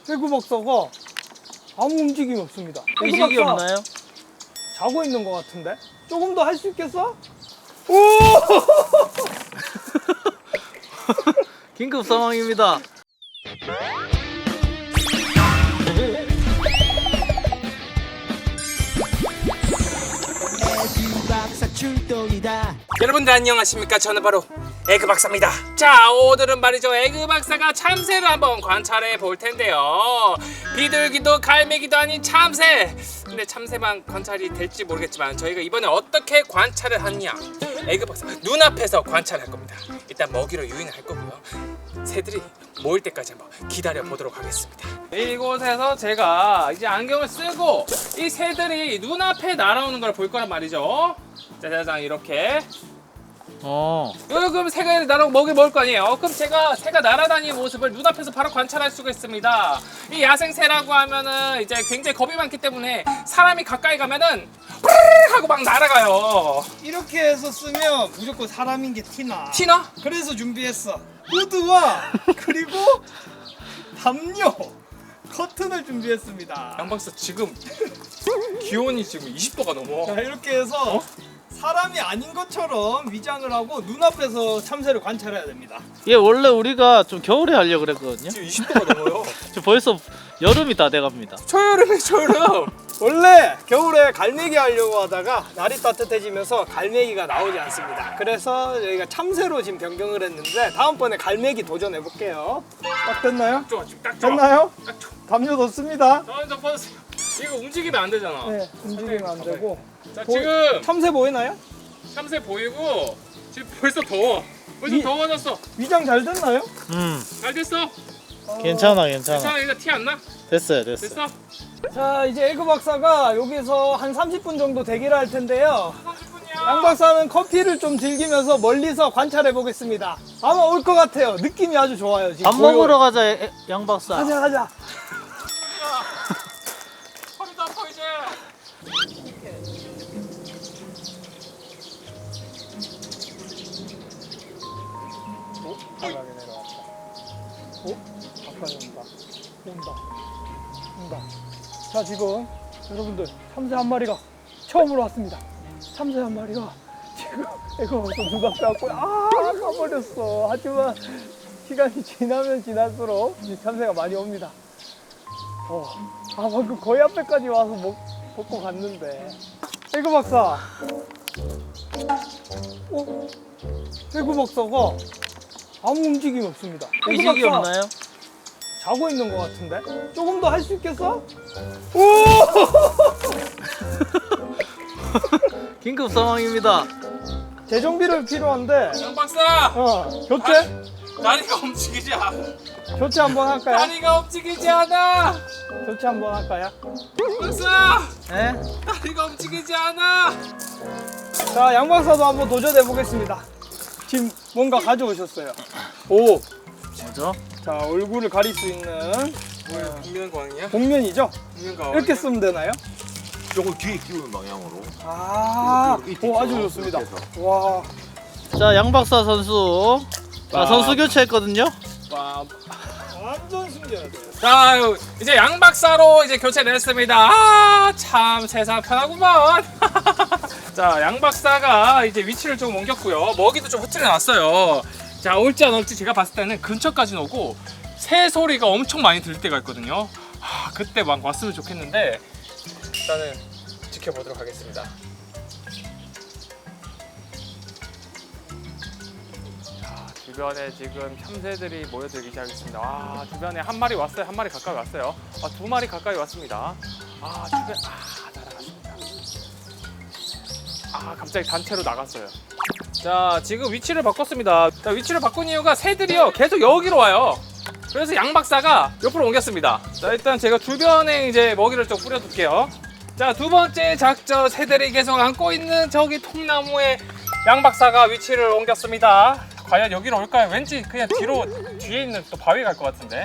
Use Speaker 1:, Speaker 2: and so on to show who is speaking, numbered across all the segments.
Speaker 1: 해구 박사가 아무 움직임이 없습니다.
Speaker 2: 의식이
Speaker 1: 박사
Speaker 2: 없나요?
Speaker 1: 자고 있는 것 같은데? 조금 더 할 수 있겠어? 오!
Speaker 2: 긴급 상황입니다.
Speaker 3: 여러분들 안녕하십니까? 저는 바로 에그 박사입니다. 자, 오늘은 말이죠, 에그 박사가 참새를 한번 관찰해 볼 텐데요. 비둘기도 갈매기도 아닌 참새. 근데 참새만 관찰이 될지 모르겠지만 저희가 이번에 어떻게 관찰을 하냐, 에그 박사 눈앞에서 관찰할 겁니다. 일단 먹이로 유인을 할 거고요. 새들이 모일 때까지 한번 기다려 보도록 하겠습니다. 이곳에서 제가 이제 안경을 쓰고 이 새들이 눈앞에 날아오는 걸 볼 거란 말이죠. 짜자잔, 이렇게. 그럼 새가 날아오고 먹이 먹을 거 아니에요. 그럼 제가 새가 날아다니는 모습을 눈앞에서 바로 관찰할 수가 있습니다. 이 야생새라고 하면은 이제 굉장히 겁이 많기 때문에 사람이 가까이 가면은 뿌르르 하고 막 날아가요.
Speaker 1: 이렇게 해서 쓰면 무조건 사람인 게 티나.
Speaker 3: 티나?
Speaker 1: 그래서 준비했어. 후드와 그리고 담요, 커튼을 준비했습니다.
Speaker 3: 양박사 지금 기온이 지금 20도가 넘어.
Speaker 1: 자, 이렇게 해서 사람이 아닌 것처럼 위장을 하고 눈앞에서 참새를 관찰해야 됩니다.
Speaker 2: 얘 원래 우리가 좀 겨울에 하려고 그랬거든요.
Speaker 3: 지금 20도가 넘어요.
Speaker 2: 저 벌써 여름이 다 돼갑니다.
Speaker 3: 초여름에 초여름.
Speaker 1: 원래 겨울에 갈매기 하려고 하다가 날이 따뜻해지면서 갈매기가 나오지 않습니다. 그래서 저희가 참새로 지금 변경을 했는데 다음번에 갈매기 도전해 볼게요. 딱 됐나요?
Speaker 3: 좋아, 지금 딱 좋아.
Speaker 1: 됐나요?
Speaker 3: 딱 좋아.
Speaker 1: 담요 넣습니다.
Speaker 3: 저 퍼주세요. 이거 움직이면 안 되잖아.
Speaker 1: 네, 움직이면 안 되고.
Speaker 3: 자, 지금
Speaker 1: 참새 보이나요?
Speaker 3: 참새 보이고 지금 벌써 더워. 벌써 더워졌어.
Speaker 1: 위장 잘 됐나요?
Speaker 3: 잘 됐어.
Speaker 2: 괜찮아.
Speaker 3: 괜찮아, 이거 티 안 나?
Speaker 2: 됐어요.
Speaker 3: 됐어?
Speaker 1: 자, 이제 에그 박사가 여기서 한 30분 정도 대기를 할 텐데요.
Speaker 3: 30분이야.
Speaker 1: 양 박사는 커피를 좀 즐기면서 멀리서 관찰해 보겠습니다. 아마 올 것 같아요. 느낌이 아주 좋아요. 지금
Speaker 2: 밥 먹으러 가자, 양 박사.
Speaker 1: 가자.
Speaker 3: 허리도 아파 이제.
Speaker 1: 바닥에 내려왔다. 가까이 온다. 자, 지금 여러분들 참새 한 마리가 처음으로 왔습니다. 참새 한 마리가 지금 이거 벌써 눈앞에 왔고 가버렸어. 하지만 시간이 지나면 지날수록 이 참새가 많이 옵니다. 방금 거의 앞에까지 와서 먹고 갔는데. 에그 박사. 에그 박사가 아무 움직임이 없습니다.
Speaker 2: 의식이
Speaker 1: 박사
Speaker 2: 없나요?
Speaker 1: 자고 있는 것 같은데? 조금 더 할 수 있겠어? 오!
Speaker 2: 긴급 상황입니다.
Speaker 1: 재정비를 필요한데.
Speaker 3: 양 박사.
Speaker 1: 교체?
Speaker 3: 다리가 움직이지 않아.
Speaker 1: 교체 한번 할까요?
Speaker 3: 다리가 움직이지 않아.
Speaker 1: 교체 한번 할까요?
Speaker 3: 박사.
Speaker 2: 네?
Speaker 3: 다리가 움직이지 않아.
Speaker 1: 자, 양 박사도 한번 도전해 보겠습니다. 지금 뭔가 가져오셨어요. 오!
Speaker 2: 뭐죠?
Speaker 1: 자, 얼굴을 가릴 수 있는
Speaker 3: 뭐야, 복면광이야?
Speaker 1: 복면이죠?
Speaker 3: 복면광.
Speaker 1: 이렇게 쓰면 되나요?
Speaker 4: 조금 뒤에 끼우는 방향으로.
Speaker 1: 아주 좋습니다. 와,
Speaker 2: 자, 양 박사 선수. 자, 선수 교체했거든요.
Speaker 3: 와.
Speaker 1: 완전 숨겨야 돼요.
Speaker 3: 자, 이제 양 박사로 이제 교체를 했습니다. 참 세상 편하구만. 자, 양 박사가 이제 위치를 좀 옮겼고요. 먹이도 좀 흐트려 놨어요. 자, 올지 안 올지 제가 봤을 때는 근처까지는 오고 새 소리가 엄청 많이 들릴 때가 있거든요. 그때 막 왔으면 좋겠는데 일단은 지켜보도록 하겠습니다. 주변에 지금 참새들이 모여들기 시작했습니다. 주변에 한 마리 왔어요. 한 마리 가까이 왔어요. 두 마리 가까이 왔습니다. 주변 날아갔습니다. 갑자기 단체로 나갔어요. 자, 지금 위치를 바꿨습니다. 자, 위치를 바꾼 이유가 새들이요 계속 여기로 와요. 그래서 양 박사가 옆으로 옮겼습니다. 자, 일단 제가 주변에 이제 먹이를 좀 뿌려둘게요. 자, 두 번째 작전, 새들이 계속 안고 있는 저기 통나무에 양 박사가 위치를 옮겼습니다. 과연 여기로 올까요? 왠지 그냥 뒤에 있는 또 바위 갈 것 같은데.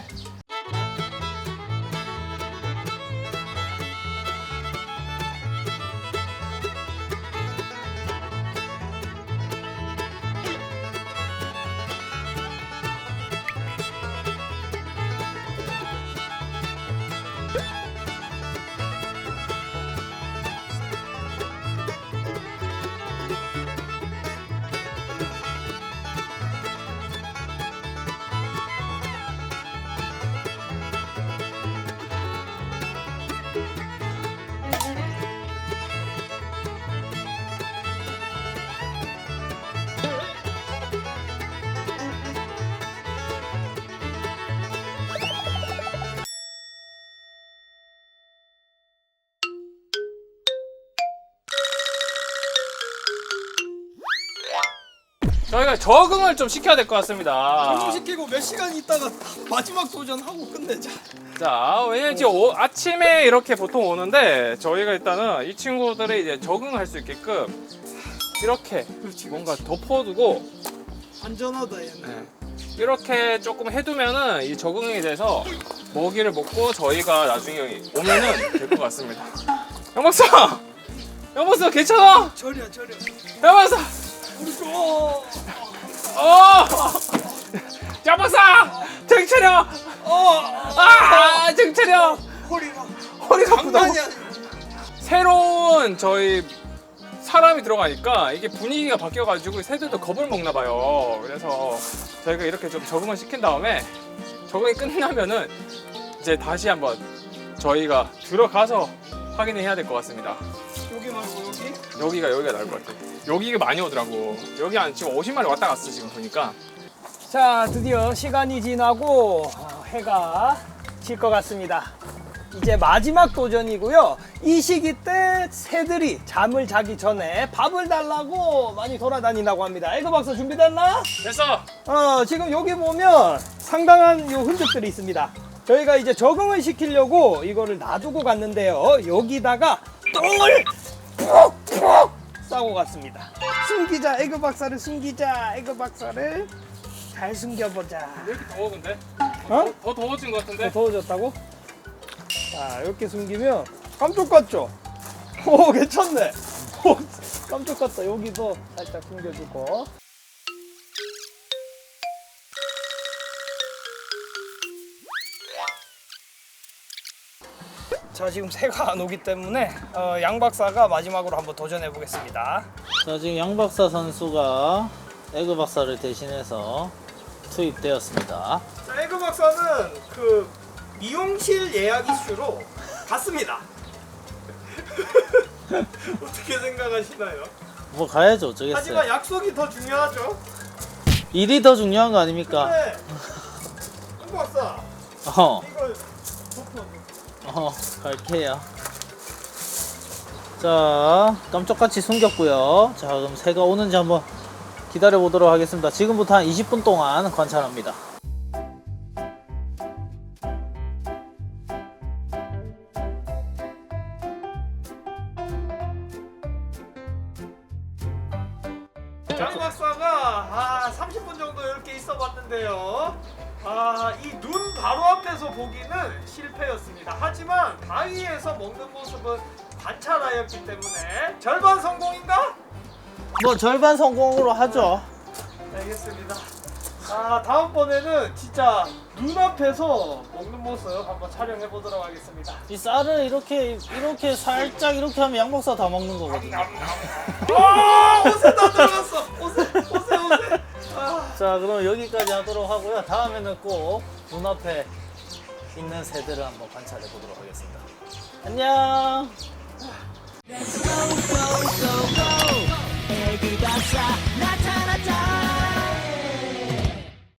Speaker 3: 저희가 적응을 좀 시켜야 될 것 같습니다.
Speaker 1: 시키고 몇 시간 있다가 마지막 도전하고 끝내자.
Speaker 3: 자, 왜냐면 지금 아침에 이렇게 보통 오는데 저희가 일단은 이 친구들이 이제 적응할 수 있게끔 이렇게 뭔가 덮어두고
Speaker 1: 안전하다 얘는.
Speaker 3: 네. 이렇게 조금 해두면은 이 적응이 돼서 먹이를 먹고 저희가 나중에 오면은 될 것 같습니다. 영박사! 영박사 괜찮아?
Speaker 1: 저려.
Speaker 3: 영박사! 영박사! 정신 차려! 정신 차려! 허리가 아프다고? 새로운 저희 사람이 들어가니까 이게 분위기가 바뀌어가지고 새들도 겁을 먹나 봐요. 그래서 저희가 이렇게 좀 적응을 시킨 다음에 적응이 끝나면은 이제 다시 한번 저희가 들어가서 확인을 해야 될 것 같습니다.
Speaker 1: 여기 말고
Speaker 3: 여기가 나을 것 같아요. 여기가 많이 오더라고. 여기 한 지금 50마리 왔다 갔어 지금 보니까.
Speaker 1: 자, 드디어 시간이 지나고 해가 질 것 같습니다. 이제 마지막 도전이고요. 이 시기 때 새들이 잠을 자기 전에 밥을 달라고 많이 돌아다닌다고 합니다. 에그 박사 준비됐나?
Speaker 3: 됐어.
Speaker 1: 지금 여기 보면 상당한 요 흔적들이 있습니다. 저희가 이제 적응을 시키려고 이거를 놔두고 갔는데요. 여기다가 똥을 푹푹 싸고 갔습니다. 숨기자, 에그 박사를 숨기자. 에그 박사를 잘 숨겨보자.
Speaker 3: 왜 이렇게 더워 근데?
Speaker 1: 어?
Speaker 3: 더 더워진 것 같은데?
Speaker 1: 더 더워졌다고? 자, 이렇게 숨기면 깜짝 같죠? 오, 괜찮네. 오, 깜짝 같다. 여기도 살짝 숨겨주고. 자, 지금 새가 안 오기 때문에 양 박사가 마지막으로 한번 도전해 보겠습니다.
Speaker 2: 자, 지금 양박사 선수가 에그 박사를 대신해서 투입되었습니다.
Speaker 1: 자, 에그 박사는 그 미용실 예약 이슈로 갔습니다. 어떻게 생각하시나요?
Speaker 2: 뭐 가야죠, 어쩌겠어요.
Speaker 1: 하지만 약속이 더 중요하죠.
Speaker 2: 일이 더 중요한 거 아닙니까?
Speaker 1: 네. 에그 박사,
Speaker 2: 어,
Speaker 1: 이거 덮어.
Speaker 2: 갈게요. 자, 깜짝같이 숨겼고요. 자, 그럼 새가 오는지 한번 기다려 보도록 하겠습니다. 지금부터 한 20분 동안 관찰합니다.
Speaker 1: 양 박사가 30분 정도 이렇게 있어 봤는데요. 이 눈 바로 앞에서 보기는 실패였습니다. 하지만 바위에서 먹는 모습은 관찰하였기 때문에 절반 성공인가?
Speaker 2: 뭐 절반 성공으로 하죠.
Speaker 1: 알겠습니다. 다음번에는 진짜 눈앞에서 먹는 모습 한번 촬영해 보도록 하겠습니다.
Speaker 2: 이 쌀을 이렇게 살짝 이렇게 하면 양박사 다 먹는 거거든요.
Speaker 1: 옷에 다 들어갔어. 옷에.
Speaker 2: 자, 그럼 여기까지 하도록 하고요. 다음에는 꼭 눈앞에 있는 새들을 한번 관찰해 보도록 하겠습니다. 안녕.